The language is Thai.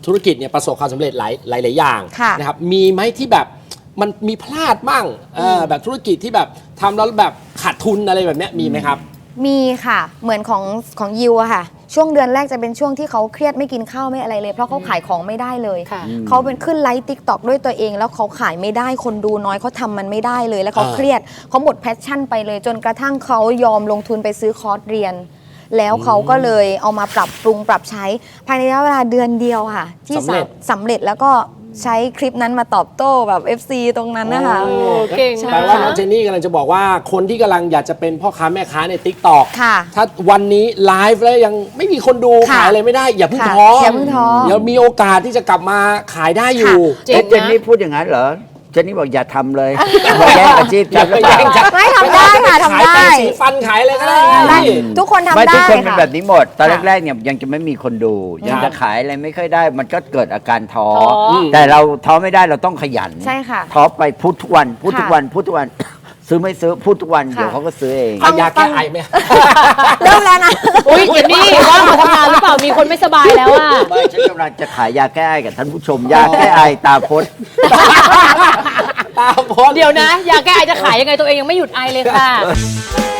ธุรกิจเนี่ยประสบความสำเร็จหลายอย่างนะครับมีไหมที่แบบมันมีพลาดบ้างแบบธุรกิจที่แบบทำแล้วแบบขาดทุนอะไรแบบนี้มีไหมครับมีค่ะเหมือนของยิวอะค่ะช่วงเดือนแรกจะเป็นช่วงที่เขาเครียดไม่กินข้าวไม่อะไรเลยเพราะเขาขายของไม่ได้เลยเขาเป็นขึ้นไลฟ์ติ๊กต็อกด้วยตัวเองแล้วเขาขายไม่ได้คนดูน้อยเขาทำมันไม่ได้เลยแล้วเขาเครียดเขาหมดแพชชั่นไปเลยจนกระทั่งเขายอมลงทุนไปซื้อคอร์สเรียนแล้วเขาก็เลยเอามาปรับปรุงปรับใช้ภายในระยะเวลาเดือนเดียวค่ะที่สำเร็จแล้วก็ใช้คลิปนั้นมาตอบโต้แบบ FC ตรงนั้นนะคะเก่งแปลว่าน้องเจนนี่กำลังจะบอกว่าคนที่กำลังอยากจะเป็นพ่อค้าแม่ค้าใน TikTok ถ้าวันนี้ไลฟ์แล้วยังไม่มีคนดูขายอะไรไม่ได้อย่าเพิ่งท้อเดี๋ยวมีโอกาสที่จะกลับมาขายได้อยู่เจนนี่พูดอย่างนั้นเหรอเจนนี่บอกอย่าทำเลยบอกแย่งอาชีพฉันหรือเปล่าไม่ทำได้ค่ะทำได้ขายสีฟันขายอะไรก็ได้ทุกคนทำได้ทุกคนเป็นแบบนี้หมดตอนแรกๆเนี่ยยังจะไม่มีคนดูยังจะขายอะไรไม่ค่อยได้มันก็เกิดอาการท้อแต่เราท้อไม่ได้เราต้องขยันใช่ค่ะท้อไปพูดทุกวันพูดทุกวันพูดทุกวันซื้อไม่ซื้อพูดทุกวันเดี๋ยวเขาก็ซื้อเองเอายาแก้ไอไหมเริ่มแล้วนะอุ้ยเจนนี่ว่ามาทำงานหรือเปล่ามีคนไม่สบายแล้วอ่ะไม่ฉันกำลังจะขายยาแก้ไอกับท่านผู้ชมยาแก้ไอตาพดตาพดเดี๋ยวนะยาแก้ไอจะขายยังไงตัวเองยังไม่หยุดไอเลยค่ะ